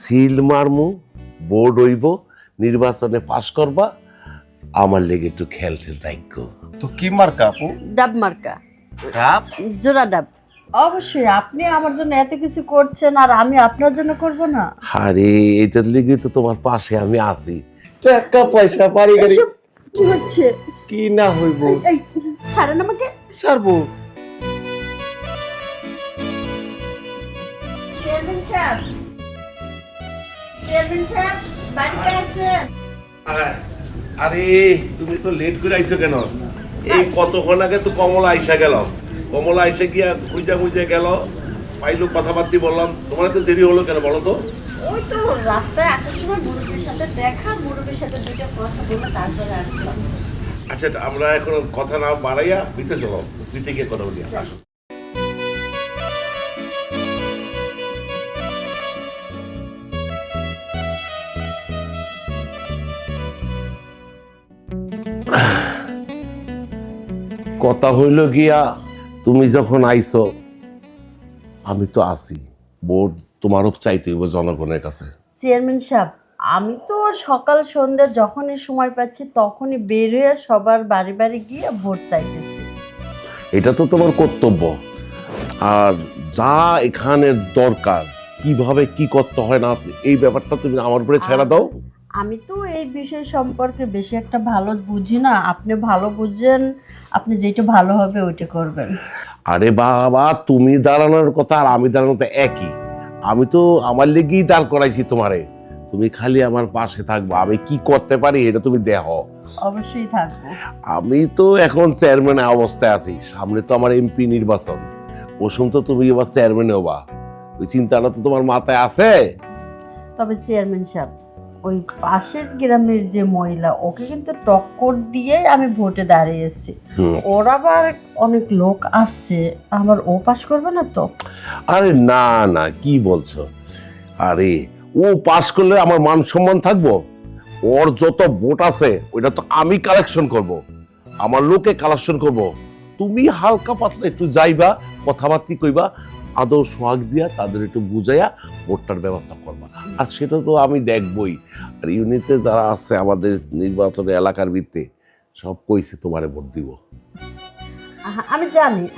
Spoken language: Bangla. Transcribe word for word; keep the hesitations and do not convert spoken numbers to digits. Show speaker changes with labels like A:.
A: সিল মারমু, বোর্ড হইব, নির্বাচনে পাশ করবা, আমার লেগে একটু খেল ঠেল রাখো।
B: তো কি মার্কা আপু?
C: ডাব মার্কা,
B: কাপ?
C: জোড়া ডাব। অবশ্যই আপনি আমার জন্য এত কিছু করছেন আর আমি আপনার জন্য করব না?
A: আরে এটার লেগে তো তোমার পাশে আমি আছি। টাকা পয়সা বাড়ি গাড়ি
C: এসব কি হচ্ছে?
A: কি না হইব
C: এই ছাড়েন আমাকে।
A: ছাড়বো।
C: চেয়ারম্যান সাহেব, চেয়ারম্যান সাহেব বাড়িতে আছেন?
A: আরে তুমি তো লেট করে আইছো কেন? এই কতক্ষণ আগে তো কমলা আইসা গেল, কমলা আইসা গিয়া খুঁজা খুঁজে গেল, পাইলো কথাবার্তি বললাম, তোমার তো দেরি হলো কেন বলো তো?
C: ওই তো রাস্তায় আসার সময় মুরব্বীর সাথে দেখা, মুরব্বীর সাথে দুইটা কথা বলে তারপরে আসলাম।
A: আচ্ছা আমরা এখন কথা না বাড়াইয়া ভিতরে চলো, ভিতরে গিয়ে কথা বলি। আসো। কথা হইল গিয়া তুমি যখন আইছো আমি তো আছি, বোর্ড তোমারও চাইতে হইব জনগণের কাছে।
C: চেয়ারম্যান সাহেব, আমি তো সকাল সন্ধ্যা যখনই সময় পাচ্ছি তখনই বের হয়ে সবার বাড়ি বাড়ি গিয়ে ভোট চাইতেছি।
A: এটা তো তোমার কর্তব্য, আর যা এখানের দরকার কিভাবে কি করতে হয় না এই ব্যাপারটা তুমি আমার উপরে ছেড়ে দাও।
C: আমি তো এই বিষয় সম্পর্কে বেশি একটা ভালো বুঝি না, আপনি ভালো বুঝেন, আপনি যেটা ভালো হবে ওইটা করবেন।
A: আরে বাবা, তুমি দাঁড়ানোর কথা আর আমি দাঁড়ানোর তো একই। আমি তো আমার লেগেই দাঁড় করাইছি তোমারে, তুমি খালি আমার পাশে থাকবো, আমি কি করতে পারি এটা তুমি দেখো।
C: অবশ্যই থাকবো।
A: আমি তো এখন চেয়ারম্যানের অবস্থায় আছি, সামনে তো আমার এমপি নির্বাচন, ওসম তো তুমি এবার চেয়ারম্যান হবা, ওই চিন্তাটা তো তোমার মাথায় আছে।
C: তবে চেয়ারম্যান সাহেব, ওই পাশের গ্রামের যে মহিলা ওকে কিন্তু টক্কর দিয়ে আমি ভোটে দাঁড়িয়েছি, ওর আবার অনেক লোক আসছে, আমার ও পাশ করবে না তো?
A: আরে না না, কি বলছো? আরে ও পাশ করলে আমার মান সম্মান থাকবো? ওর যত ভোট আছে ওইটা তো আমি কালেকশন করব, আমার লোকে কালেকশন করব। তুমি হালকা পাতলা একটু যাইবা, কথাবার্তি কইবা, আদৌ সোহাগ দিয়া তাদের একটু বুঝাইয়া ভোটটার ব্যবস্থা করবা, আর সেটা তো আমি দেখবই। আর ইউনিটে যারা আছে আমাদের নির্বাচনের এলাকার ভিত্তি সব কইছে তোমারে ভোট দিব।
C: আহা, আমি জানি